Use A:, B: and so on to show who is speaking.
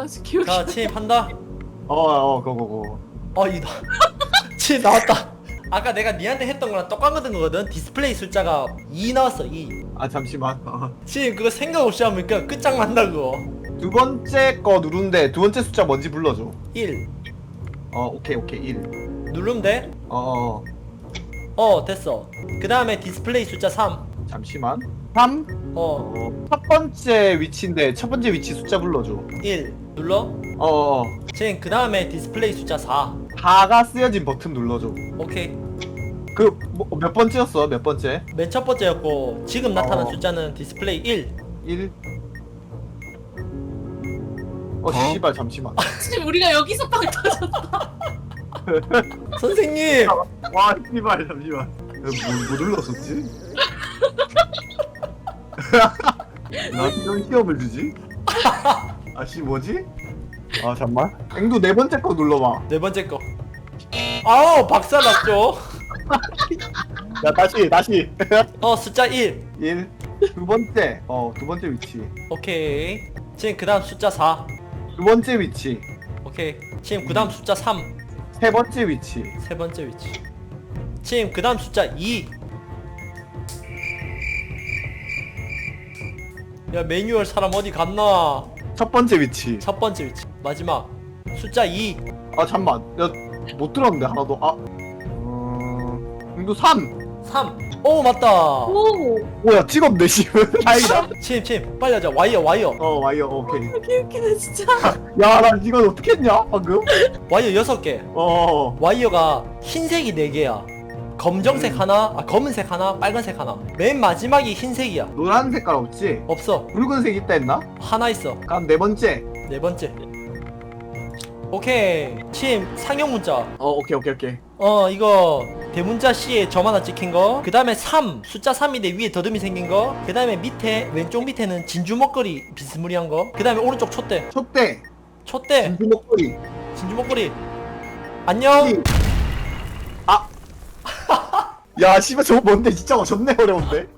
A: 아직 기억이
B: 자 침입한다.
C: 고고고.
B: 이다. 침입 나왔다. 아까 내가 니한테 했던 거랑 똑같은 거거든. 디스플레이 숫자가 2 나왔어 2.
C: 아 잠시만.
B: 지금 그거 생각 없이 하면 그냥 끝장난다 그거.
C: 두 번째 거 누른데 두 번째 숫자 뭔지 불러줘.
B: 1
C: 오케이 1.
B: 누르면 돼? 됐어. 그 다음에 디스플레이 숫자 3.
C: 잠시만. 3. 첫 번째 위치인데 첫 번째 위치 숫자 불러줘.
B: 1 눌러. 지금 그 다음에 디스플레이 숫자 4.
C: 4가 쓰여진 버튼 눌러줘.
B: 오케이.
C: 그 몇 번째였어? 몇 번째?
B: 맨 첫 번째였고 지금 나타난
C: 어.
B: 숫자는 디스플레이 1.
C: 1. 씨발 잠시만.
A: 지금 우리가 여기서 빵 터졌다.
B: 선생님.
C: 와 씨발 잠시만. 뭐 눌렀었지? 나 이런 시험을 주지? 아씨 뭐지? 잠만. 앵두 네 번째 거 눌러봐.
B: 네 번째 거. 아우 박살 났죠.
C: 야 다시.
B: 숫자 1.
C: 1. 두 번째. 두 번째 위치.
B: 오케이. 지금 그 다음 숫자 4.
C: 두 번째 위치.
B: 오케이. 지금 그 다음 숫자 3.
C: 세 번째 위치.
B: 세 번째 위치. 지금 그 다음 숫자 2. 야 매뉴얼 사람 어디 갔나?
C: 첫 번째 위치.
B: 첫 번째 위치. 마지막 숫자 2.
C: 잠만. 야 못 들었는데 하나도. 앵두 3.
B: 3. 오 맞다.
A: 오.
C: 뭐야 찍었네 씨발. 다행이다.
B: 침 빨리 하자. 와이어
C: 와이어 오케이.
A: 웃기네 진짜.
C: 야 나 이건 어떻게 했냐 방금?
B: 와이어 6개. 와이어가 흰색이 4개야. 검정색 하나, 검은색 하나, 빨간색 하나. 맨 마지막이 흰색이야.
C: 노란 색깔 없지?
B: 없어.
C: 붉은색 있다 했나?
B: 하나 있어.
C: 그럼 네 번째.
B: 네 번째. 오케이. 침 상형 문자.
C: 오케이.
B: 이거 대문자 C에 점 하나 찍힌 거. 그 다음에 3 숫자 3인데 위에 더듬이 생긴 거. 그 다음에 밑에 왼쪽 밑에는 진주 먹거리 비스무리한 거. 그 다음에 오른쪽 촛대.
C: 촛대. 진주 목걸이.
B: 진주 먹거리. 안녕.
C: 야 씨발 저거 뭔데 진짜 존내 어려운데?